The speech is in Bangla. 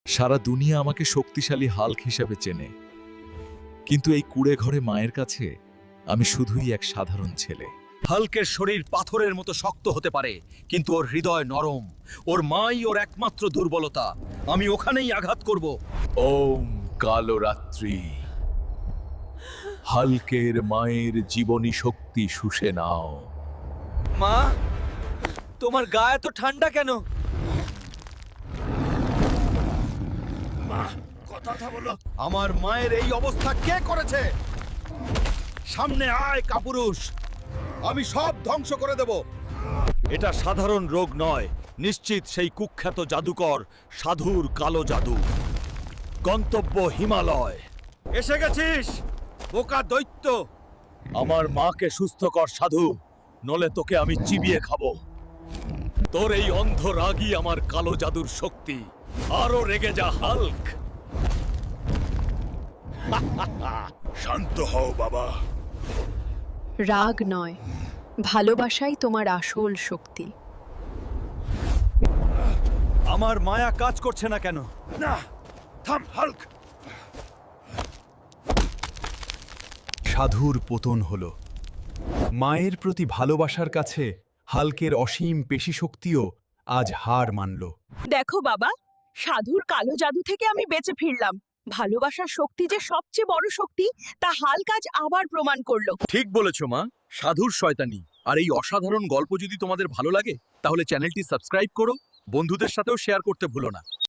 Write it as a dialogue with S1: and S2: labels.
S1: সারা দুনিয়া আমাকে শক্তিশালী হাল্ক হিসেবে চেনে, কিন্তু এই কুঁড়ে ঘরে মায়ের কাছে আমি শুধুই এক সাধারণ ছেলে।
S2: হাল্কের শরীর পাথরের মতো শক্ত হতে পারে, কিন্তু ওর হৃদয় নরম। ওর মাই ওর একমাত্র দুর্বলতা। আমি ওখানেই আঘাত করব।
S1: ওম কালো রাত্রি, হাল্কের মায়ের জীবনী শক্তি শুষে নাও।
S2: মা, তোমার গা এত ঠান্ডা কেন? কথা বলো। আমার মায়ের এই অবস্থা কে করেছে? সামনে আয় কাপুরুষ, আমি সব ধ্বংস করে দেব। এটা সাধারণ রোগ নয়, নিশ্চিত সেই কুখ্যাত জাদুকর সাধুর কালো জাদু। গন্তব্য হিমালয়। এসে গেছিস বোকা দৈত্য। আমার মাকে সুস্থ কর সাধু, নলে তোকে আমি চিবিয়ে খাবো। তোর এই অন্ধ রাগই আমার কালো জাদুর শক্তি। আরো রেগে যা হাল্ক। শান্ত হও বাবা।
S3: রাগ নয়, ভালোবাসাই তোমার আসল শক্তি।
S2: আমার মায়া কাজ করছে না কেন? না, থাম হাল্ক।
S4: সাধুর পতন হল। মায়ের প্রতি ভালোবাসার কাছে হাল্কের অসীম পেশিশক্তিও আজ হার মানল।
S5: দেখো বাবা, সাধুর কালো জাদু থেকে আমি বেঁচে ফিরলাম। ভালোবাসার শক্তি যে সবচেয়ে বড় শক্তি, তা হাল্ক আজ আবার প্রমাণ করলো।
S2: ঠিক বলেছো মা, সাধুর শয়তানি। আর এই অসাধারণ গল্প যদি তোমাদের ভালো লাগে, তাহলে চ্যানেলটি সাবস্ক্রাইব করো, বন্ধুদের সাথেও শেয়ার করতে ভুলো না।